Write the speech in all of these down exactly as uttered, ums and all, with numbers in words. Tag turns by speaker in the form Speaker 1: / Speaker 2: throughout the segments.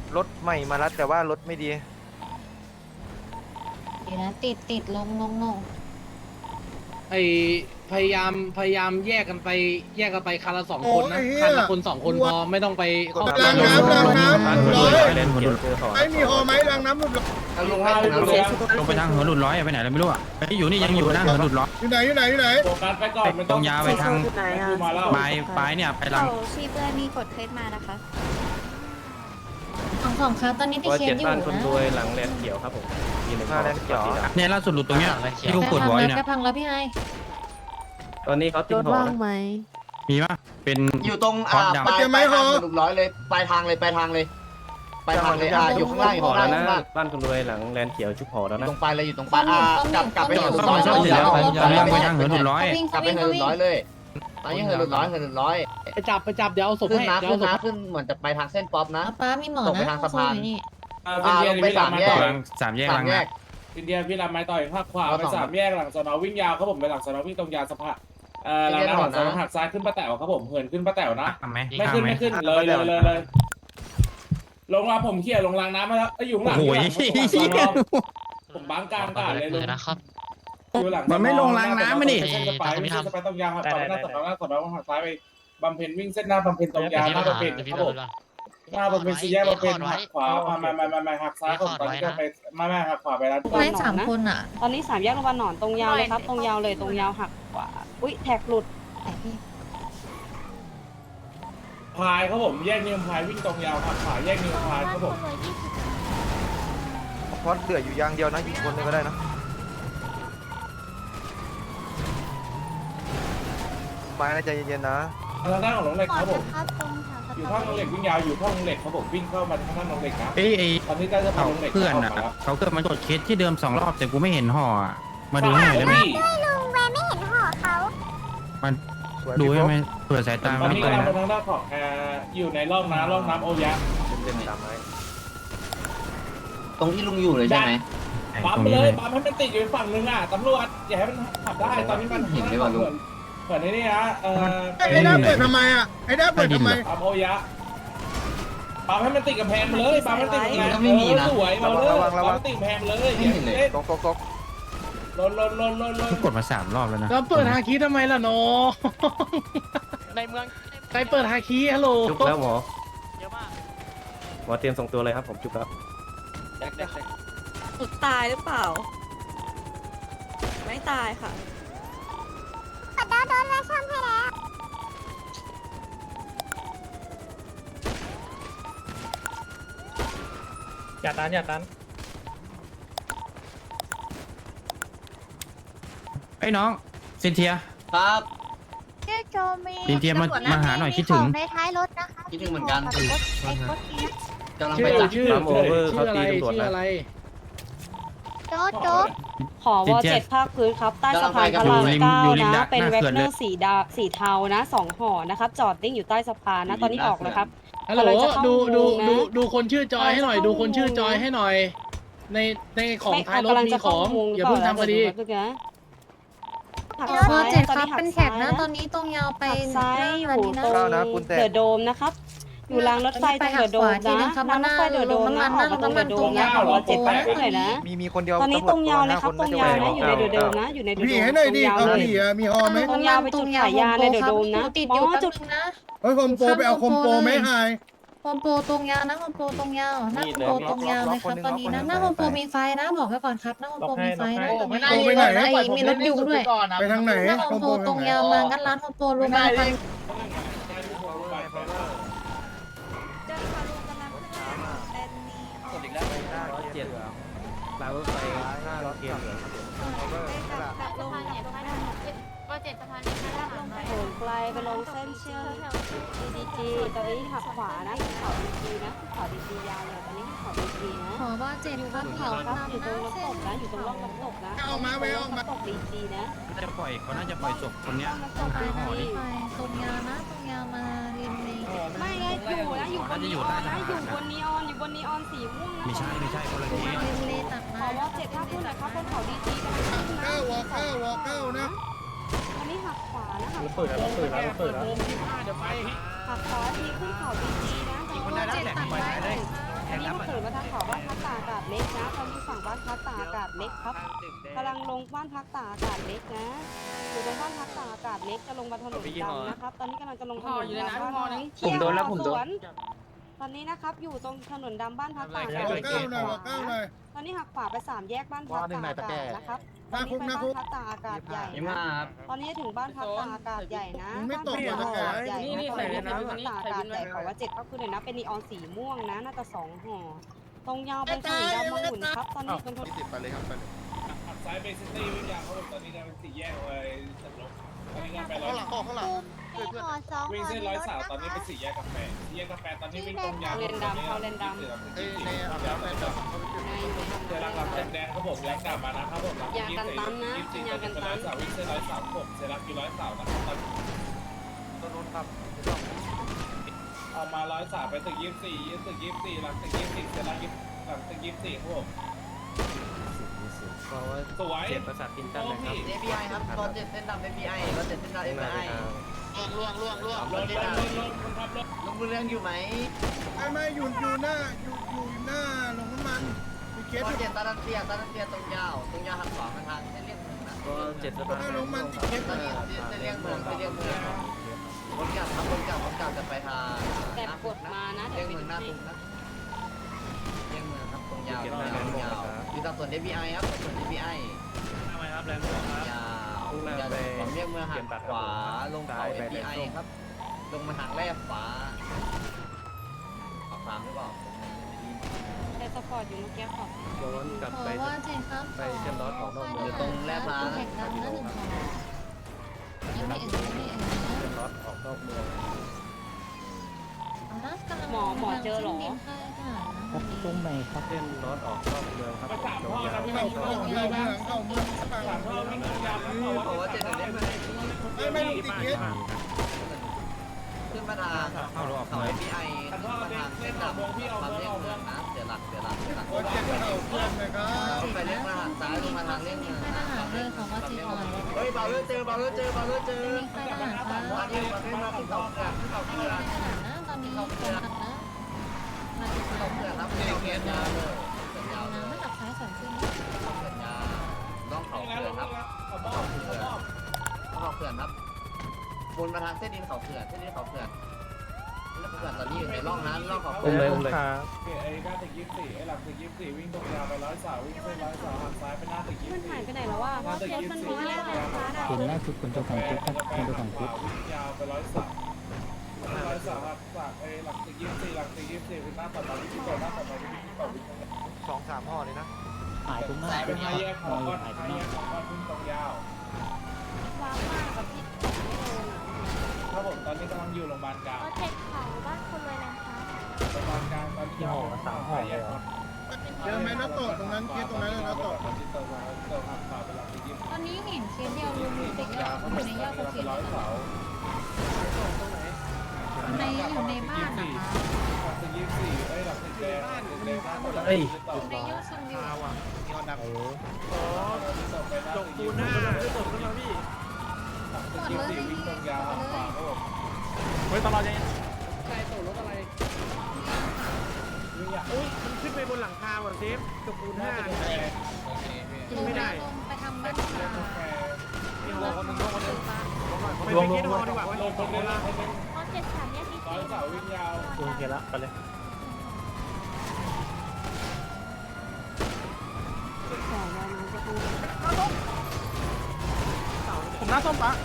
Speaker 1: รถใหม่มาแล้วแต่ว่ารถไม่ดี
Speaker 2: ดีนะติดติดลงลงลง
Speaker 3: ไอพยายามพยายามแยกกันไปแยกกันไปคันละสองคนนะคันละคนสองคนพอไม่ต้องไปครอบครัว
Speaker 4: รางน้ำรางน้ำร้อย
Speaker 1: ไอ้
Speaker 4: ไม่มีหอไหมรางน้ำหลุด
Speaker 5: ลงให้ลง
Speaker 6: ลงไปทางหัวหลุดร้อยไปไหนแล้วไม่รู้อ่ะอยู่นี่ยังอยู่นะหัวหลุดร้อย
Speaker 4: อยู่ไหนอยู่ไหนอยู่ไหน
Speaker 5: โฟกัสไปก่อนไม่
Speaker 6: ต
Speaker 5: ต้
Speaker 6: ร
Speaker 5: อง
Speaker 6: งยาวไปทางปลายปลายเนี่ยไปลัง
Speaker 7: ชีเพื่อนมีกดเคสมานะคะ
Speaker 2: สองสองครับตอนนี้ติดเคสอยู่นะ
Speaker 1: หลังแลนเขียวครับผมมีหนึ่งหน้าแลนเขียว
Speaker 6: เนี่ยล่าสุดหลุดตรงเนี้ยที่กูปวดหัวอยู่เนี่ย
Speaker 2: แกพังแล้วพี่ไอ
Speaker 1: ตอนนี้เขาติดหอนะ
Speaker 6: มีปะเป็น
Speaker 5: อยู่ตรงอ่าปลายปลายทางหลุดร้อยเลยปลายทางเลยปลายทางเลยปลายทางเลยอ่าอยู่ข้างล่างอยู่ข้างล่างข้างล่าง
Speaker 1: บ้านคนรวยหลังแลนเขียวชุบหอแล้ว
Speaker 5: อยู่
Speaker 1: นะ
Speaker 5: ตรงปลายเลยอยู่ตรงปลายอ่ากลับกลับไปหลุดร้อย
Speaker 6: ใช่ใช่ไปทางหัวหลุดร้อย
Speaker 2: วิ่ง
Speaker 5: กลับไป
Speaker 2: วิ่ง
Speaker 5: หลุดร้อยเลยตอนนี้หลุดร้อยหลุดร้อย
Speaker 3: ไปจับไปจับเดี๋ยวเอาศพ
Speaker 5: ขึ้น
Speaker 3: ให้
Speaker 5: นะ
Speaker 3: เดี๋ยว
Speaker 5: ขึ้
Speaker 3: เอา
Speaker 5: น
Speaker 3: ศพ
Speaker 5: นะขึ้นเหมือนจะไปทางเส้นป๊อปนะ
Speaker 2: ป้ามีหมอ
Speaker 5: ตกไป
Speaker 2: นะ
Speaker 5: ทางสะพาน
Speaker 2: นี่
Speaker 5: อ่าลงไปสามแยก
Speaker 6: สามแยก
Speaker 5: สา
Speaker 6: ลั
Speaker 5: ม
Speaker 6: ง
Speaker 5: แย
Speaker 6: นะ
Speaker 5: ก
Speaker 8: อินเดียพี่รับไม้ต่อยภาคขวาไปสามแยกหลังสนอวิ่งยาวครับผมไปหลังสนอวิ่งตรงยาวสะพานเอ่อหลังหลังสนอหักซ้ายขึ้นป้าแต๋วครับผมเหินขึ้นป้าแต๋วนะ
Speaker 6: ทำไหม
Speaker 8: ไม่
Speaker 6: ทำ
Speaker 8: ขึ้น
Speaker 6: ไหม
Speaker 8: ไม่ขึ้นเลยเลยเลยเลยลงมาผมเขี่ยลงรางน้ำมาแล้วอยู่หลัง
Speaker 6: โอ้ย
Speaker 8: ผมบังกลางกาดเลยลุง
Speaker 9: นะครับ
Speaker 8: อยู่หลัง
Speaker 6: มันไม่ลงรางน้ำมาดิ
Speaker 8: เส้นสปายวิ่งเส้นสปายตรงยาวหักซ้ายหน้าสนอหน้าสนอหักซ้ายไปบำเพ็ญวิ่งเส้นหน้าบำเพ็ญตรงยาวหน้าบำเพ็ญครับผมหน้าบำเพ็ญสี่แยกบำเพ็ญหักขวามามามามามาหักซ้ายผมตอนนี้ก็ไปมามาหักขวาไปแล้ว
Speaker 2: ไม่สามคนอ่ะ
Speaker 7: ตอนนี้สามแยกโรงพยาบาลหนอนตรงยาวเลยครับ ตรงยาวเลยตรงยาวหักขวาอุ้ยแท็กหลุด
Speaker 2: แต่พี่
Speaker 8: พายครับผมแยกนิวพายวิ่งตรงยาวหักขวาแยกนิวพายครับผม
Speaker 1: เพราะเหลืออยู่ยางเดียวนะยิงคนเลยก็ได้นะมานะใจเย็นๆนะ
Speaker 8: ทางด้านของหลงเหล็กครับผมอยู่ท่าหลงเหล็กวิ่งยาวอยู่ท่าหลงเหล็กครับผมวิ่งเข้ามาทางด้านหลงเหล็กนะ
Speaker 6: เอ้ยไอ้
Speaker 8: ตอนนี้ใกล้จะผ่า
Speaker 6: เขา
Speaker 8: นหลงเหล็ก
Speaker 6: เพื่อนอ่ะเขาเกิดมันกดเคสที่เดิมสองรอบแต่กูไม่เห็นห่ออ่ะมาดูให้หน่อยได้ไหมมันดูให้ไหมเผื่อสายตา
Speaker 8: ตอน
Speaker 6: ไม่
Speaker 8: นี้
Speaker 6: เกิน
Speaker 8: กำลัง
Speaker 6: นะ
Speaker 8: ไปทางด้านของแอร์อยู่ในร่องน้ำร่องน้ำโอยะ
Speaker 1: เต็มๆตามไม้
Speaker 5: ตรงที่ลุงอยู่เลยใช่ไหม
Speaker 8: ปั๊ม
Speaker 6: ตรง
Speaker 8: ไป
Speaker 6: นี้
Speaker 8: เล
Speaker 6: เลย ย
Speaker 8: ปั๊มให้มันติดอยู่ฝั่งนึงอ่ะตำรวจอย่าให้มันขับได้ตอนนี้มันเหมือนเหมือนนี่นะเออ
Speaker 4: ไอ้ด้าเปิดทำไมอ่ะไอ้ด้าเปิดทำไม
Speaker 8: ปั๊มโอยะปั๊มให้มันติดกับแพงเลยปั๊มให้มันติดกับแพงสวยมาเลยปั๊มให้ติดแพงเลย
Speaker 1: ตกตกตก
Speaker 8: ลนลนลนลนลน
Speaker 6: กดมาสามรอบแล้วนะ
Speaker 3: แล้วเปิดฮาคิทำไมล่ะโน
Speaker 9: ในเมือง
Speaker 3: ใครเปิดฮาคิฮัลโหล
Speaker 1: จุกแล้วหมอ
Speaker 9: เยอะมาก
Speaker 1: หมอเตรียมส่งตัวเลยครับผมจุกแล้ว
Speaker 7: สุดตายหรือเปล่า ไม่ตายค่ะ
Speaker 3: อย่าตันอย่าตัน
Speaker 6: ไอ้น้องซินเทีย
Speaker 5: ครับ
Speaker 7: ชื่อโจมี
Speaker 6: ซินเทียมามาหาหน่อยคิดถึง
Speaker 7: ในท้ายรถนะคะ
Speaker 5: คิดถึงเหมือนกัน
Speaker 7: ไอ้รถนี้
Speaker 5: กำลัง
Speaker 3: ชื่
Speaker 5: ไป
Speaker 3: อ
Speaker 5: จับ
Speaker 3: ชื่อชื่ออะไรชื่ออะไร
Speaker 7: โจ๊ดโจ๊ดขอวอเจ็ดภาคพื้นครับ ใต้สะพานพระราม
Speaker 6: อยู่ริม
Speaker 7: เก้า
Speaker 6: อยู่ริม
Speaker 7: นะ
Speaker 6: ดัก
Speaker 7: เป็น
Speaker 6: หน้า
Speaker 7: เวก
Speaker 6: เขื่อน
Speaker 7: เน
Speaker 6: เล
Speaker 7: อย ร์สีดาสีเทานะสองห่อนะครับ จอดนิ่งอยู่ใต้สะพานนะ ตอนนี้ออกแล้วครับ
Speaker 3: ฮัลโหล
Speaker 7: กำลังจะเข้า
Speaker 3: ดูดู
Speaker 7: อุโมงค์นะ
Speaker 3: ดูดูคนชื่อจอยให้หน่อย
Speaker 7: กำลังจะ
Speaker 3: ดูคนชื่อ
Speaker 7: เข้า
Speaker 3: จอยให้หน่อย ในในของ
Speaker 7: ไม่
Speaker 3: ท้ายรถ
Speaker 7: กำลัง
Speaker 3: มี
Speaker 7: จะ
Speaker 3: ข
Speaker 7: เข้า
Speaker 3: อง
Speaker 7: อุโมงค์
Speaker 3: อย่าเพิ่งทำคดี
Speaker 7: เดี๋ยวนะหัก
Speaker 2: วอ
Speaker 7: ซ้าย
Speaker 2: เจ็ด
Speaker 7: ตอน
Speaker 2: ครับ
Speaker 7: นี้หัก
Speaker 2: เป็นแถบ
Speaker 7: ซ้าย
Speaker 2: นะ
Speaker 7: นะ
Speaker 2: ตอนนี้ตรงยาวไป
Speaker 7: หักซ้ายอยู่
Speaker 2: อันนี้นะ
Speaker 7: ตรง
Speaker 1: เข้านะคุณแตะ
Speaker 7: เดอะโดมนะครับ อยู่รางรถไฟตรงเดอะโดมนะ
Speaker 2: ครับ
Speaker 7: รางรถไฟเดอะโดมนะออกมาตรงเดอะโดมนะของวอเจ็ดภาคพื้นเลยนะ
Speaker 1: มีมีคนเดียว
Speaker 7: ตอนนี้ตรงยาวเลยครับตรงยาวนะอยู่ในเดอะโดมนะอยู่ในเดอะโด
Speaker 4: พี่
Speaker 7: ม
Speaker 4: ให้หน่อยดิ
Speaker 7: ตรงยาว
Speaker 4: เอา
Speaker 7: เลย
Speaker 4: ผีอ่ะมีหอไหม
Speaker 7: ตรงยาวไปจุดขายยาในเดอะโดมนะ
Speaker 2: ติด
Speaker 7: อ๋
Speaker 2: อยู่
Speaker 7: อ
Speaker 2: จุ
Speaker 7: จุ
Speaker 2: ด
Speaker 7: ด
Speaker 2: นะ
Speaker 4: เฮ้ยคอมโปไปเอาคอมโปไหมไฮ
Speaker 2: โฮมโปรตรงยาวนะโฮมโปรตรงยาวหน้าโฮมโปรตรงยาวเลยครับตอนนี้นะหน้าโฮมโปรมีไฟนะบอกไว้ก่อนครับหน้าโฮมโปรมีไฟนะตรงนี้ไอ้มีรถอยู่ด้วย
Speaker 4: ไปทางไหน
Speaker 2: หน้าโฮมโปรตรงยาวมางั้นร้านโฮมโปรรวมกันไป
Speaker 1: กดอีกแล้วหน้าเจ็ดรางรถไฟหน้ารถเกียร์เหลืองครับผม
Speaker 7: โหนไกลไปลงเส้นเชื่อม ดี จี ตอนนี้หักขวานะขึ้นเขา ดี จี นะขึ้นเขา ดี จี ยาวเลยตอนนี้ขึ้นเขา ดี จี นะ
Speaker 2: ขอว่าเจ็ดครับ
Speaker 7: ขึ้น
Speaker 2: เขา
Speaker 7: เขาครับ
Speaker 2: นำ
Speaker 7: อยู่ตรง
Speaker 2: นะ
Speaker 7: น้ำ
Speaker 2: เส้
Speaker 7: ต
Speaker 2: น
Speaker 7: กนะอยู่ตรงร่องน้ำตกนะ
Speaker 4: เอามาไปเอามา
Speaker 7: น้ำตก ดี จี นะ
Speaker 6: น่าจะปล่อยเขาน่าจะปล่อยศพคนเนี้ยต้องหาห่อดิ
Speaker 2: ไปตรงยาวนะตรงยาวมาริมนี้
Speaker 7: ไม่ไงอยู่นะอยู่บนนีออนนะอยู่บนนีออนอยู่บนนีออนสีม่วงนะ
Speaker 6: ไม่ใช่ไม่ใช่คนละที
Speaker 2: ริมเลตัด
Speaker 7: ข
Speaker 2: มา
Speaker 7: อว่าเจ็ดภาคพื้นหน่อยครับบนเขา ดี จี กำลังขึ้นนะ
Speaker 4: เก้าวอเก้าวอเก้านะ
Speaker 7: อันนี้หักขวานะหักข
Speaker 3: เปิ
Speaker 7: วา
Speaker 3: ดแล้วเปิดแล้วเปิดแล้วเดี๋ยวไป
Speaker 7: หักขวาทีขึ้นเขา ดี จี นะตรง
Speaker 6: คนได้แล้วแหละไปได้
Speaker 7: อันนี้บ้านพักตากอากาศเล็กครับกำลังลงบ้านพักตากอากาศเล็กนะอยู่ตรงบ้านพักตากอากาศเล็กจะลงมาถนนดำนะครับตอนนี้กำลังจะลงถนนดำบ้านนี้
Speaker 1: ผมโดนแล้วผมโดน
Speaker 7: ตอนนี้นะครับอยู่ตรงถนนดำบ้านพักตากอากาศ
Speaker 4: วอเก้าหน่อยวอเก้าหน่อย
Speaker 7: ตอนนี้หักขวาไปสามแยกบ้านพักตากอากาศนะครับตอนนี้ไปบ้านพักตากอากาศใหญ่นะตอนนี้ถึงบ้านพักตากอากาศใหญ่นะบ้านพักตากอากาศใหญ่นะตอนนี้ถึงบ้านพักตากอากาศใหญ่ขอว่าเจ็ดก็คือเลยนะเป็นนีออนสีม่วงนะน่าจะสองห่อตรงยาวเป็นถนนดำมะหุ่นครับตอนนี้เป็นถนน
Speaker 8: ติดไปเลยครับไปเลยหักซ้ายไปซิตี้วิ่งยาวเขาบอกตอนนี้จะเป็นสี่แยกเลยสำรบตอนนี้งานไปร้อย
Speaker 4: ข้างหลัง
Speaker 8: วิ่งเส้นร้อยสาวตอนนี้เป็นสี่แยกกาแฟสี่แยกกาแฟตอนนี้วิ่งตรงยาว
Speaker 7: เลนดำเขาเลนดำ
Speaker 8: เอ้ยในอาบน้ำไปแบบเจอรักหลังแดงเขาบอกแรงกลับมานะครับผมยี่สิบสี่ยี่สิบสี่ตอนนี้เป็นร้อยสาววิ่งเส้นร้อยสาวผมเจอรักอยู่ร้อยสาวนะครับตอนต้นรถครับเอามาร้อยสาวไปตึกยี่สิบสี่ยี่สิบยี่สิบสี่หลังตึกยี่สิบสี่เจอรักหลังตึกยี่สิบสี่ครับผม
Speaker 1: เพราะว่า
Speaker 8: สวย
Speaker 1: เจ็บประสาทกินกันนะครับ
Speaker 5: เอพีไอครับตอนเจ็ดเส้นดำเอพีไอตอนเจ็ดเส้นดำเอพีไอ
Speaker 9: ล่วงล่วงล่วง
Speaker 8: รถรถรถรถคนขับรถ
Speaker 5: ลุงบุญเรืองอยู่ไหม
Speaker 4: ไม่ไม่อยู่อยู่หน้าอยู่อยู่หน้าลงน้ำมันมีเคส
Speaker 5: ตอน
Speaker 4: อยู่
Speaker 5: เจ็ดตอนเตียตอนเตียตรงยาวตรงยาวหักขวามาทางเส้นเลี่ยงเมืองนะ
Speaker 1: ก็เจ็ดส
Speaker 4: ห
Speaker 1: ตา
Speaker 4: น้า
Speaker 1: ร์
Speaker 4: ลงมันติดเคส
Speaker 5: ตอนนี้เส้นเลี่ยงเมืองเส้นเลี่ยงเมืองวนกลับครับวนกลับวนกลับจะไปทาง
Speaker 7: แต่กดมานะ
Speaker 5: เลี่
Speaker 7: เดี๋
Speaker 5: ย
Speaker 7: ยว
Speaker 5: ง
Speaker 7: ไป
Speaker 5: เมืองห
Speaker 7: ดู
Speaker 5: น้า
Speaker 7: ให้
Speaker 5: ตุ้งนะเลี่ยงเมืองครับตรงยาวตรงยาวตรงยาวมีตำรวจเอพีไอครับตำรวจเอพีไอ
Speaker 1: ทำไมครับแรงครับ
Speaker 5: ยาวจะผมเรียกเมืองหักขวาลงเขาเอพีไอครับลงมาทางแรกขวาขวาฟาร์มหรือเปล่า
Speaker 7: แต่สปอร์ตอยู่เมื่อกี้ขอบ
Speaker 1: ย้อนกลับ
Speaker 2: ขอ
Speaker 1: ไป
Speaker 2: ว่าเจ็ดครับ
Speaker 1: ไปเชื่อมรถของนอกเมือง
Speaker 5: อยู่ตรงแรกร้าน
Speaker 2: แข่งกันนะหนึ่งของยังไม่เอ่ยยังไม่เอ่ย
Speaker 1: เชื่อมรถออกนอกเมือง
Speaker 2: นะกำลัง
Speaker 7: หมอหมอเจอหรอ
Speaker 2: ตรงไหนครับ
Speaker 1: เส้นรถออกนอกเมืองครับ
Speaker 8: ไปสามท่อนะพี่
Speaker 4: เข้า
Speaker 8: เข้า
Speaker 4: เข้าเมืองเมืองเข้าเมืองเข้า
Speaker 8: สามท่อวิ่งตรงยาวแล้วเขา
Speaker 5: บอกว่า
Speaker 8: ว่า
Speaker 5: เจ็ดเดือนได้ไหม
Speaker 4: ไม่ไม่ติดเคส
Speaker 5: ขึ้นมาทางเขาเอพีไอขึ้นมาทางเส้นดำความเลี่ยงเมืองนะเสียหลักเสียหลักเสียหลัก
Speaker 4: โคตรเจ็บเข้าเพื่อนเลยครับ
Speaker 5: ไปเลี้ยงมาทางซ้ายลงมาทางเลี่ยงเมือง
Speaker 2: ค่ายทหารเลยของว่าจีออน
Speaker 5: เฮ้ยเบาเลือเจอเบาเลือเจอเบาเลือเจอ
Speaker 2: มีค่ายทหารครับ
Speaker 5: มาที่มาขึ้นมาขึ้นเขาเกลือขึ้นเขาเกลือ
Speaker 2: ค่ายทหารนะตอนนี้กำลังนะมาติด
Speaker 5: ขึ้น
Speaker 2: ตา
Speaker 5: เขา
Speaker 2: ม
Speaker 5: เกลือครับเลี้ยงเกียร์ยาวเลยยาวเล
Speaker 2: นะ
Speaker 5: ย
Speaker 2: ไม่ตัดซ้ายสอนขึ้น
Speaker 5: เขาเกลือยาวน้องเขาเกลือครับ
Speaker 8: เขาบอกเขาบอก
Speaker 5: เขาเกลือครับวนมาทางเส้นดินเขาเกลือเส้นดินเขาเกลือแล้วเกลือตอนนี้อยู่ในร่องนั้นร่องเขาเก
Speaker 1: อุ้ม
Speaker 5: ลื
Speaker 1: เลย
Speaker 5: อ
Speaker 1: อุ้มเลย
Speaker 8: ไอ้ก้าตึกยี่สิบสี่ไอ้หลังตึกยี่สิบสี่วิ่งตรงยาวไปร้อยสาววิ่งเส้นร้อยสาวหักซ้ายไปหน้าตึกยี่
Speaker 7: มั
Speaker 8: สิ
Speaker 7: น
Speaker 8: บ
Speaker 7: หาย
Speaker 8: สี่
Speaker 7: ไปไหนแล้ววะ
Speaker 8: หน้าตึกยี่สิบสี่ยาวไปร้อยสาว
Speaker 6: คุณล่าสุดคุณเจ้าของคุกครับคุณเจ้าของคุก
Speaker 8: วิ่งยาวไปร้อยสาวร้อยสาวหักสาวไอ้หลังตึกยี่สิบสี่หลังตึกยี่สิบสี่เป็นหน้าต่อไปวิ่งต่อหน้าต่อไปวิ่งต่อวิ่งตรง
Speaker 1: สองสามห่อเลยนะ
Speaker 6: หายตรงหน้า
Speaker 8: สายเป็นห้าแยกของก้อนห้าแยกของก้อนวิ่งตรงยาว
Speaker 7: ว้าวมากกับพี่ไม่โดนอ่ะ
Speaker 8: ครับผมตอนนี้กำลังอยู่โรงพยาบาลกลาง
Speaker 7: เจ็ดเขาบ้านคนรวยนะคะ
Speaker 8: โรงพยาบาลกลางตอนนี้ยาวสามห่อเลยครับ
Speaker 4: เจอไหมนัตโตตรงนั้นเคสตรงนั้นเลยนัตโต
Speaker 8: ตอนที่เติมมาเติมหักขวาไปหลังตึกยี่สิบ
Speaker 2: ตอนนี้เห็นเคสเดียวรวมอยู่ในยอดอยู่ในยอดโอเค
Speaker 8: ร้อยเสา
Speaker 2: ในอยู่ในบ้านนะคะ
Speaker 8: หลังตึกยี่สิบสี่เอ้ยหลังตึกแดงตึกแดงบ้านหมดเลย
Speaker 2: อยู่ในยอดชมวิว
Speaker 8: จกตูหน้าจกขึ้นมาพี่หลังตึกยี่สิบสี่วิ่งตรงยาวหักขวาครับผม
Speaker 1: เฮ้ยตลอดยัง
Speaker 3: ใครตกรถอะไร
Speaker 8: วิ่งอยาก
Speaker 1: อุ้ยมันขึ้นไปบนหลังคาว่ะเซฟจบคูณ
Speaker 8: หน้า
Speaker 1: ห้า
Speaker 8: ตึกแดง
Speaker 2: ลงไปลงไปทำบ้านปลา
Speaker 1: มีห่อคนหนึ่งห่อคนหนึ่ง
Speaker 8: ลงลงลงดีกว่าลงคนเดียวละคนนึง
Speaker 7: เพราะเจ็ดสามเนี่ยพี่
Speaker 8: ร้อยเสาวิ่งยาว
Speaker 1: โอเคละไปเลย
Speaker 7: สองวันมันจะคือ
Speaker 1: ผมหน้าส้มปะ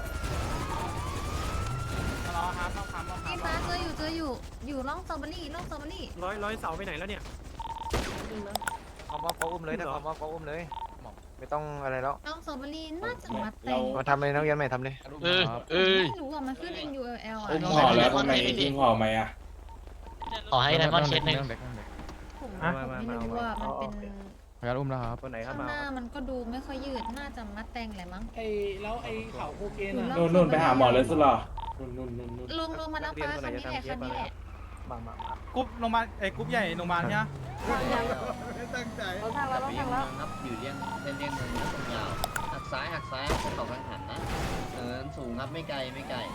Speaker 2: พี่ฟ้าเจออยู่เจออยู่อยู่ร่องสตรอเบอรี่ร่องสตรอเบอรี่
Speaker 1: ร้อยร้อยเสาไปไหนแล้วเนี่ย
Speaker 10: คอมว่าเขาอุ้มเลยนะคอมว่าเขาอุ้มเลยไม่ต้องอะไรแล้ว
Speaker 2: ร่องสตรอเบอรี่น่าจะมัดแต่ง
Speaker 10: มาทำเลยนักเรียนใหม่ทำเลย
Speaker 9: เออเอ้ย
Speaker 2: ไม่รู้อ่ะมันขึ้น N U L L อ่ะ
Speaker 8: อุ้มห่อแล้วทำไมยิงห่อไหมอ่ะ
Speaker 9: ขอให้ไดมอนด์เช็ดหนึ่ง
Speaker 2: ผมผมไม่รู้ว่ามันเป็น
Speaker 10: พยานอุ้มแล้วครับ
Speaker 1: คนไหนครับ
Speaker 2: ข้าง
Speaker 1: มา
Speaker 2: หน้ามันก็ดูไม่ค่อยยืดน่าจะมัดแต่งแหละมั้ง
Speaker 3: ไอ้แล้วไอ้เขาโคเคน
Speaker 2: อยู่
Speaker 3: อ่ะ
Speaker 2: ร่อง
Speaker 8: นู่นนู่นไปหาหมอเลยสุดหรอนู่นนู่นนู่นนู่น
Speaker 2: ลงลงมาแล้วฟ้าคันนี้แหละคันนี้แหละ
Speaker 1: มามากรุ๊ปโรงพยาบาลเอ้กรุ๊ปใหญ่โรงพยาบาลเนี่ย
Speaker 4: ไม่ตั้งใจ
Speaker 7: เราทางแล้วเรา
Speaker 5: เลี่ย
Speaker 7: ทาง ง
Speaker 5: เมื
Speaker 7: แล้
Speaker 5: อ
Speaker 7: ว
Speaker 5: งครับอยู่เลี่ยงเส้นเลี่ยงเมืองนะตรงยาวหักซ้ายหักซ้ายเขากังหันนะเนินสูงครับไม่ไกลไม่ไกล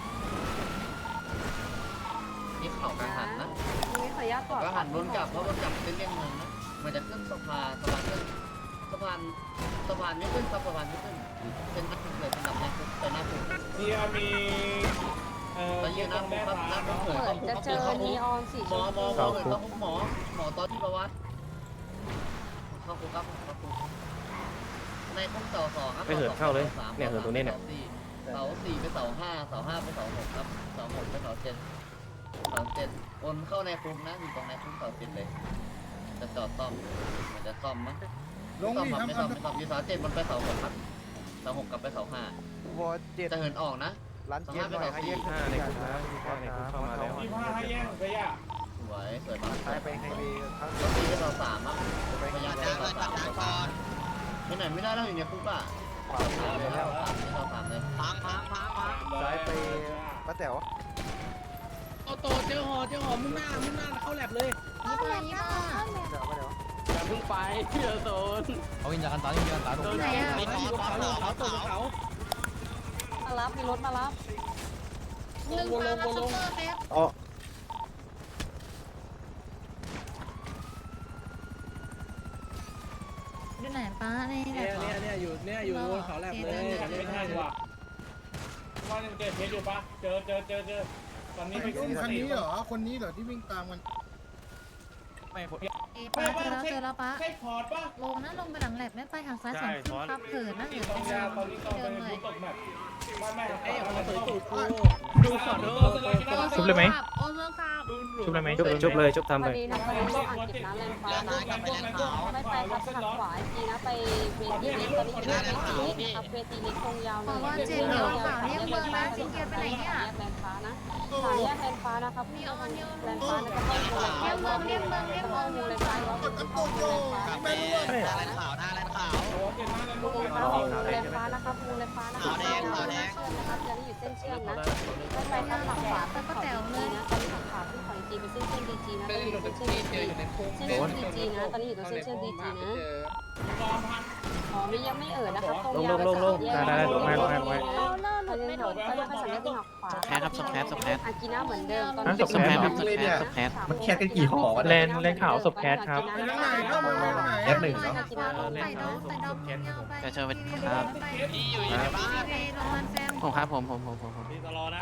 Speaker 5: นี่เขากังหันนะ
Speaker 7: นี่ขออนุญาตกอด
Speaker 5: ก็หันวนกลับเพราะวนกลับเส้นเลี่ยงเมืองนะมันจะขึ้นสะพานสะพานขึ้นสะพานสะพานไม่ขึ้นครับสะพานไม่ขึ้นเป็นหน้าคุกเลยเป็นหน้าคุกเป็นหน้าคุก
Speaker 8: นี่มีเอ่อ
Speaker 5: ตอนนี้หน้าคุกครับหน้าคุก
Speaker 7: เหมือนจะเจอนีออนสีช
Speaker 5: หมอ
Speaker 7: ม
Speaker 5: หม
Speaker 7: พู
Speaker 5: อหมอเลยต้องหมอหมอตอนที่ประวัติเข้าคุกครับเข้าคุกในคุกเสาสองครับ
Speaker 1: ไปเหินเข้าเลยเนี่ยเหินตรงนี้เนี่ย
Speaker 5: เสาสี่ไปเสาห้าเสาห้าไปเสาหกครับเสาหกไปเสาเจ็ดเสาเจ็ดวนเข้าในคุกนะอยู่ตรงในคุกเสาเจ็ดเลยจะจอดซ่อมมันจะซ่อมมั้ง
Speaker 4: ลง
Speaker 5: ซ่อม
Speaker 4: นี่
Speaker 5: ครับไม่
Speaker 4: ทำ
Speaker 5: ซ่อม
Speaker 4: ทำ
Speaker 5: ไม่ซ่อมอยู่เสาเจ็ดมันไปเสาหกครับเสาหกกลับไปเสาห้า
Speaker 10: วอเจ็ด
Speaker 5: จะเหินออกนะ
Speaker 10: ร้านเจ็ดหน่อยให้แยก
Speaker 1: ห้าในคุกนะห้าในคุกเข้ามาแล้ว
Speaker 8: ยี่ห้าให้แย่งไปย่า
Speaker 5: สวยสวยมาก
Speaker 10: ซ้ายไปไฮเวย์ข้าง
Speaker 5: เสาสี่ไปเสาสามอ่ะ
Speaker 10: ไป
Speaker 5: พยายาม
Speaker 10: ข้าง
Speaker 5: ไปเสาสามเสาสามไปไหนไม่ได้แล้วอยู่ในคุกอ่ะ
Speaker 10: ขวามือ
Speaker 5: ไป
Speaker 10: เลย
Speaker 5: เสาสามไปเสาสามเลย
Speaker 9: พังพังพังพัง
Speaker 10: ซ้ายไปป้าแต๋ว
Speaker 3: โตโตเจอหอเจอหอมุ่งหน้ามุ่งหน้าเข้าแลบเลย
Speaker 2: นี่มานี่มา
Speaker 10: เดี๋ยวป้าแต๋ว
Speaker 1: อย่าเพิ่งไปเดี๋ยวโดน
Speaker 6: เอาวิญญาณตาวิญญาณตา
Speaker 2: ตรงไหนอ่ะ
Speaker 3: ไปอยู่บนเขาอยู่บนเขาตกบนเขา
Speaker 7: มารับมีรถมารับ
Speaker 2: หนึ่งมามาซุปเปอร์แป๊บ
Speaker 10: อ๋อ
Speaker 2: ดูไหนป้าในไหน
Speaker 3: เนี่ย
Speaker 2: ป้า
Speaker 3: เนี่ยเนี่ยอยู่เนี่ยอยู่บนเขาแลบเลย
Speaker 8: ไม่ทันว่ะว่ายังเจอเพชรอยู่ปะเจอเจอเจอเจอตอนนี้ไป
Speaker 4: อุ้มคันนี้เหรอคนนี้เหรอที่วิ่งตามกัน
Speaker 6: ไม่ผม
Speaker 2: เอป้าเจอแล้วเจอแล้วป้า
Speaker 8: ใช่พอร์ตปะ
Speaker 2: ลงนะลงไปหลังแหลบไม่ไปทางซ้ายสองขึ้นครับเหินนะเหิน
Speaker 8: ตอนยาตอนนี้ตอน
Speaker 2: เดิ
Speaker 8: เป็น
Speaker 2: นเลย
Speaker 8: ผู้ตกแบบไม่ไม่
Speaker 3: ไอ้หอสวยตูดกู
Speaker 8: ดูขอโทษ
Speaker 2: ชุบเลยไหมโอ้เมืองครับ
Speaker 1: ชุบได้ไหมชุบชุบเลยชุบทำ
Speaker 7: พ
Speaker 1: เล
Speaker 7: อย ดีนะพอดีต้องอ่านกิจนะแลนฟ้านะไม่ไปครับหักขวาจีนะไปเวทีเล็กตอนนี้อยู่เวทีเล็กครับเวทีเล็กตรงยาวเลยแยกแลนฟ้านะสามแยกแลนฟ้านะครับพี่เอาแลนฟ้านะก็เข้าเมือง
Speaker 2: เรียกเมืองเรียกเมืองเรียกเมื
Speaker 7: เข้า
Speaker 2: อง
Speaker 7: เมืองแลนฟ้าแล้วเข้าเมืองแลนฟ้า
Speaker 10: แม่รู้ว่า
Speaker 9: หน้าแลนขาวหน้าแลนขาว
Speaker 7: แลนฟ้านะครับมูแลนฟ้านะครับเชื่อมนะครับจะได้อยู่เส้นเชื่อมนะไม่ไปทางหลังขวาขึ้นเขาจีนะตอนนี้หลังขวาขึ้นเขาจีเป็นเส้นเชื่อมดีจีนะตอนนี้อยู่เส้นเชื่อมดีจีเส้นเชื่อมดีจีนะตอนนี้อยู่ตรงเส้นเชื่อมดีจีนะอ๋อไม่ยังไม่เอ่ยนะครับตรงยาวไปสามแยกได้ได้ลงให้ลงให้ลงให้เขาเลิกหลุดไม่หลุดเขาเรียกภาษาอังกฤษหักขวา
Speaker 9: แคสครับสแคสสแคส
Speaker 7: อากิน่าเหมือนเดิมตอน
Speaker 9: ส
Speaker 7: นี้
Speaker 9: แคสครับสแคสสแคส
Speaker 7: มันแคสกันกี่หอ
Speaker 1: เลนเลนขาวศพแคทครับ
Speaker 4: ไปทางไหนเข้ามาทางไหน
Speaker 2: แยกหนึ่งเนาะใส่ดองใส่ดองเงาไป
Speaker 9: จะเชิญไปครับ
Speaker 2: พี่อยู่ในบ้านไปโรงพยาบาลแฟม
Speaker 9: ผมครับผมผมผมผมผม
Speaker 8: พี่ตลอดนะ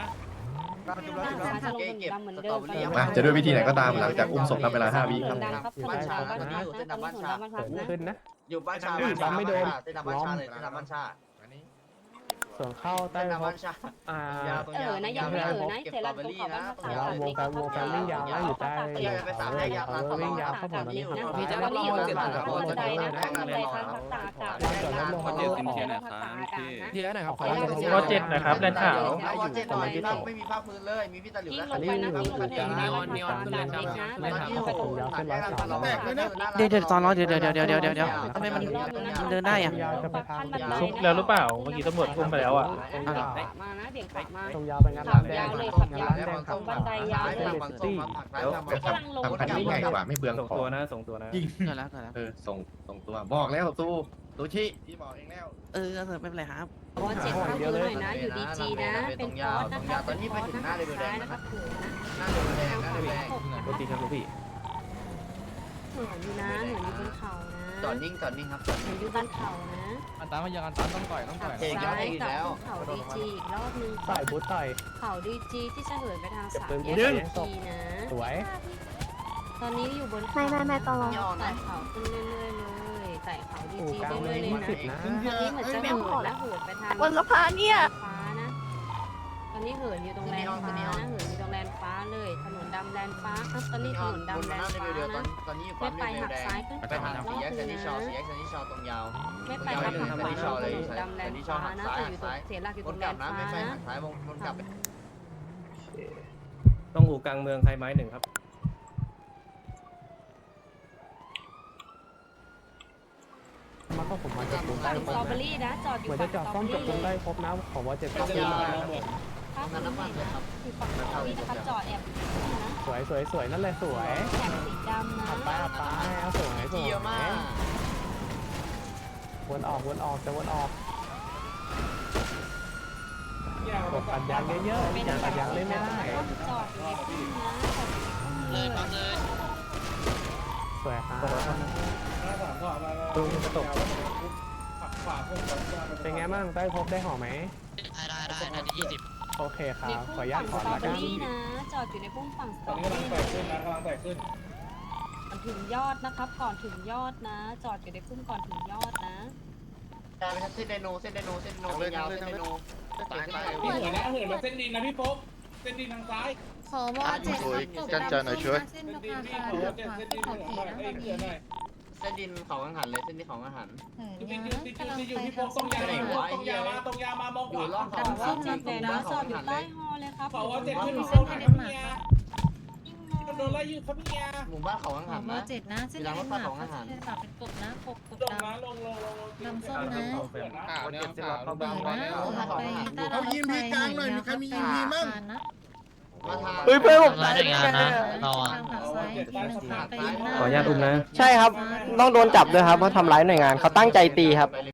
Speaker 7: มา
Speaker 5: จะด้วยวิธีไหนก็ตาม
Speaker 7: หลังจากอุ้มศพทำเวลาห้าวิ
Speaker 5: ค
Speaker 7: ค
Speaker 5: รั
Speaker 7: รับ บบ้านชาบ้านชาอยู่เส้นดำบ้านชา
Speaker 1: ขึ้นนะ
Speaker 5: อยู่บ้านชาบ้านชาไม่โดนเส้นดำบ้านชาเลยเส้นดำบ้านชา
Speaker 1: ส่วนเข้าใต้
Speaker 5: เส้นดำ
Speaker 1: พ
Speaker 5: บ้านชา
Speaker 1: อ่า
Speaker 7: เออนะยังไม่เออนะเสร็จแล้วตรงเขาบ้านพักษาเด็กเขาพักษาเด็กเขาพักษาเด็ก
Speaker 5: ไปสามให้ยาวสาม
Speaker 1: วิ่งยาวเข้าผมตอนนี้ครับ
Speaker 7: พี่จะรับรองเจ็ดพันบันไดนะบันไดข้างพักษาอากาศบันไดข้างพักษาอากาศนะ
Speaker 6: ทีแล้วไหนครับขอ
Speaker 1: วอเจ็ดนะครับเลนขาว
Speaker 5: วอเจ็ดหน่อยไม่มีภาคพื้นเลยมีพี่ตะหลิว
Speaker 7: ยิ่ง
Speaker 5: และ
Speaker 7: ลงไปนะยิ่งลงไปนะบันไดข้างเด็กนะบันไดข้างประตู
Speaker 9: เดี๋ยวเดี๋ยวตอนรอเดี๋ยวเดี๋ยวเดี๋ยวเดี๋ยวเดี๋ยวเดี๋ยวทำไมมันเดินได้อะ
Speaker 1: ชุบแล้วหรือเปล่าเมื่อกี้ตำรวจอุ้มไปแล้วอ่ะ
Speaker 7: มานะเบี่ยงขวามา
Speaker 1: ตรงยาวไปงาน
Speaker 7: ขับยาวเลยขับยาวบันไดยาวเลย
Speaker 5: กำลังลง
Speaker 10: ทำคันนี้ง่ายกว่าไม่เปลือง
Speaker 1: ส่ง
Speaker 10: ขอ
Speaker 1: ตัว
Speaker 10: ง
Speaker 1: นะส่งตัวนะ
Speaker 9: เกิดแล้วเกิดแล้ว
Speaker 10: เออส่งส่งตัวบอกแล้วตู้ตู้ชิพี่บอกเองแล้ว
Speaker 9: เออไม่เป็นไรครับ
Speaker 7: วอเจ็ดข้างมือหน่อยนะอยู่ดีจีนะเป็นคอร์สนะครับ
Speaker 5: ตอนนี้ไปถึงหน้าเลยแด
Speaker 7: ซ้าย
Speaker 5: ง
Speaker 7: นะครับเหินนะ
Speaker 5: หน้าเลยแดงหน้าเลยแดง
Speaker 1: รถตีครับลูกพี่
Speaker 7: เหินอยู่นะเหินอยู่บนเขานะ
Speaker 5: จอดนิ่งจอดนิ่งครับ
Speaker 7: เหินอยู่บนเขานะ
Speaker 6: อันตาวิญญาณตาต้องต่อยต้อง
Speaker 7: ขั
Speaker 6: ต่
Speaker 7: บ
Speaker 6: อย
Speaker 7: ซ้ายกลับขึ้นเขาดีจีอีกรอบนึง
Speaker 1: ใส่บูทต่อย
Speaker 7: เขาดีจีที่จะเหินไปทางสามแยกดีจีนะ
Speaker 1: สวย
Speaker 7: ตอนนี้อยู่บนเขาไม่ไม่ไม่ตลอดไต่เขาขึ้นเรื่อยๆเลยไต่เขาดีจีเรื่อยๆเลยนะ
Speaker 1: นะ
Speaker 7: ตอนนี้เหมือนจะเหินและเหินไปทาง
Speaker 2: บนสะพานเนี่ย
Speaker 7: ฟ้านะ ตอนนี้เหินอยู่ตรงแลนฟ้านะเหินอยู่ตรงแลนฟ้าเลยถนนดำแลนฟ้าครับตอนนี้ถนนดำแลนฟ้านะ
Speaker 5: ตอนนี้อยู่
Speaker 7: ไม่
Speaker 5: ปั๊ม
Speaker 7: ไป
Speaker 5: เร
Speaker 7: หัก
Speaker 5: แด
Speaker 7: ซ้าย
Speaker 5: ง
Speaker 7: ขึ้น
Speaker 5: ไป
Speaker 7: เขา
Speaker 5: ทาง
Speaker 7: รอ
Speaker 5: สี่
Speaker 7: บ
Speaker 5: แยก
Speaker 7: นึ
Speaker 5: เซน
Speaker 7: ง
Speaker 5: นิ
Speaker 7: นะ
Speaker 5: ชอสี่แยกเซนนิชอตรงยาว
Speaker 7: ไม่ไปหักขวาถนนดำแลนฟ้านะแต่อยู่ตรงเสียหลักอยู่
Speaker 5: ว
Speaker 7: ตร
Speaker 5: น
Speaker 7: ง
Speaker 5: ก
Speaker 7: แล
Speaker 5: ลับ
Speaker 7: น
Speaker 5: นะ
Speaker 7: ฟ้า
Speaker 5: ไม่ไป
Speaker 7: นะ
Speaker 5: หักซ้ายวงวนกลับ
Speaker 1: ต้องอู่กลางเมืองไทยไม้หนึ่งครับ มาก็ผมมาจับกลุ่มได้
Speaker 7: ถึงสตรอเบอรี่นะจอดอยู่
Speaker 1: เหมือน
Speaker 7: ฝั่
Speaker 1: จะ
Speaker 7: ง
Speaker 1: จับ
Speaker 7: สตร
Speaker 1: ซ่
Speaker 7: อ
Speaker 1: อม
Speaker 7: เบอ
Speaker 1: จับกลุ่ม
Speaker 7: รี่
Speaker 1: ได้ครบนะผมว่าเจ็ด
Speaker 5: จะ
Speaker 1: ก็
Speaker 5: ยาว
Speaker 7: ถ้าคุณเห็นนะอยู่ฝั่งสตรอเบอรี่นะครับจอดแอบนะ
Speaker 1: สวยสวยสวยนั่นแหละสวย
Speaker 7: แถบสีดำนะ
Speaker 1: อัดไปอัดไปเอาสวยสวย
Speaker 5: เยอะมาก
Speaker 1: วนออกวนออกจะวนออกกดปัดยางเยอะ
Speaker 7: เป็น
Speaker 1: ๆอย่างปัดยางเล่นไม่ได้
Speaker 7: จอดอยู่ในพุ่มนะจอดอยู่ในพุ่ม
Speaker 9: เล
Speaker 7: เลย ย
Speaker 9: ปั๊มเลย
Speaker 1: สวยครับ
Speaker 8: หน้าสามก็มา
Speaker 1: ลุงจะตก
Speaker 8: หักขวาพุ่งกับ
Speaker 1: เป็นไงบ้างได้พบได้ห่อไหม
Speaker 9: ได้ได้ได้นาทียี่สิบ
Speaker 1: โอเคครั
Speaker 7: ใน
Speaker 1: บ
Speaker 7: พุ่
Speaker 1: ขออนุ
Speaker 7: ม
Speaker 1: ญาต
Speaker 7: ฝั่ง
Speaker 1: ถ
Speaker 7: ส
Speaker 1: อน
Speaker 7: ตรอ
Speaker 1: ละ
Speaker 7: เบอ
Speaker 1: กัน
Speaker 7: รี่นะ จอดอยู่ในพุ่มฝั่งสต
Speaker 8: ต
Speaker 7: ร
Speaker 8: อ
Speaker 7: อน เบ
Speaker 8: นี้
Speaker 7: อก
Speaker 8: ำลัง
Speaker 7: รี่
Speaker 8: ไต่ขึ้นนะกำลังไต่ขึ้น
Speaker 7: ก่อนถึงยอดนะครับ ก่อนถึงยอดนะ จอดอยู่ในพุ่มก่อนถึงยอดนะ
Speaker 5: ได้ไปเส้นไดโนเส้นไดโนเส้นไดโนยาวเส้นไดโน
Speaker 10: ตายตาย
Speaker 8: พี่เหินนะเหินมาเส้นดินนะพี่โป๊กเส้นดินทางซ้าย
Speaker 2: ขอวอเจ็ดครับตกดำส้มเส้น
Speaker 8: เส้น
Speaker 2: ต
Speaker 8: ดิน
Speaker 2: ก
Speaker 8: พี่
Speaker 2: อา
Speaker 8: ขอ
Speaker 2: คาร
Speaker 8: เจ็ด
Speaker 2: ขวา
Speaker 8: เส้น
Speaker 2: ขึ้
Speaker 8: ดิ
Speaker 2: น
Speaker 8: น
Speaker 2: เขา
Speaker 8: เหิน
Speaker 2: ขี่
Speaker 8: หน่อย
Speaker 2: นะตอน
Speaker 8: เอ้ย
Speaker 2: นี้
Speaker 8: เหินหน่อย
Speaker 5: เส้นดินเขากังหันเลยเส้นดินเขากังหัน
Speaker 2: เหิน
Speaker 8: ติด
Speaker 2: นะ
Speaker 8: ติดติด
Speaker 2: กำลัง
Speaker 8: ติดอยู่
Speaker 2: ไป
Speaker 8: พี่
Speaker 2: ทา
Speaker 8: โป๊
Speaker 2: ง
Speaker 8: กต
Speaker 2: ส้
Speaker 8: รง
Speaker 2: ม
Speaker 8: ยา
Speaker 2: ค่ะ
Speaker 8: ตรงยามาตรงยามามอง
Speaker 5: อ
Speaker 8: ข
Speaker 5: ยู่
Speaker 8: วา
Speaker 5: ล่องเขา
Speaker 7: ดำส้มนัดเลยนะ จอดอยู่ใต้ฮอเลยครับ
Speaker 8: ขอว่าเจ็ดขึ้น
Speaker 2: มี
Speaker 8: โป๊
Speaker 2: เส้น
Speaker 8: ก
Speaker 2: ให้
Speaker 8: หา
Speaker 2: เด
Speaker 8: ครั
Speaker 2: น
Speaker 8: บ
Speaker 2: มาร์ก
Speaker 8: เมียโดนไล่อยู่ครับเมีย
Speaker 5: หมู่บ้านเขากัง
Speaker 2: ข
Speaker 5: หั
Speaker 2: อน วอ
Speaker 5: นะ
Speaker 2: เจ็ดนะเส้นเดนมาร์กค่ะเส้นเดนมาร์กเป็นกบนะกบกบ
Speaker 8: ลง
Speaker 2: ดำ
Speaker 8: นะลงลงลง
Speaker 2: ดำส้มนะ
Speaker 10: ข่าวเนี่ยข่าว
Speaker 2: เหินนะเหินไปใต้
Speaker 4: เอายิมพีกลางหน่อยมีใครมียิมพีมั่ง
Speaker 2: นะ
Speaker 5: มาทาง
Speaker 9: เฮ้ยเพื่อนผม
Speaker 2: ทา
Speaker 9: ตาง ยได้ไงนะเรา
Speaker 2: ทา
Speaker 9: อ่ะ
Speaker 2: งฝั่งซ้ายทีหนึ่งครับไปยิงหน้า
Speaker 1: ขออนุญาตอุ้มนะ
Speaker 9: ใช่ครับ ต้องโดนจับด้วยครับเพราะทำร้ายหน่วยงานเขาตั้งใจตีครับ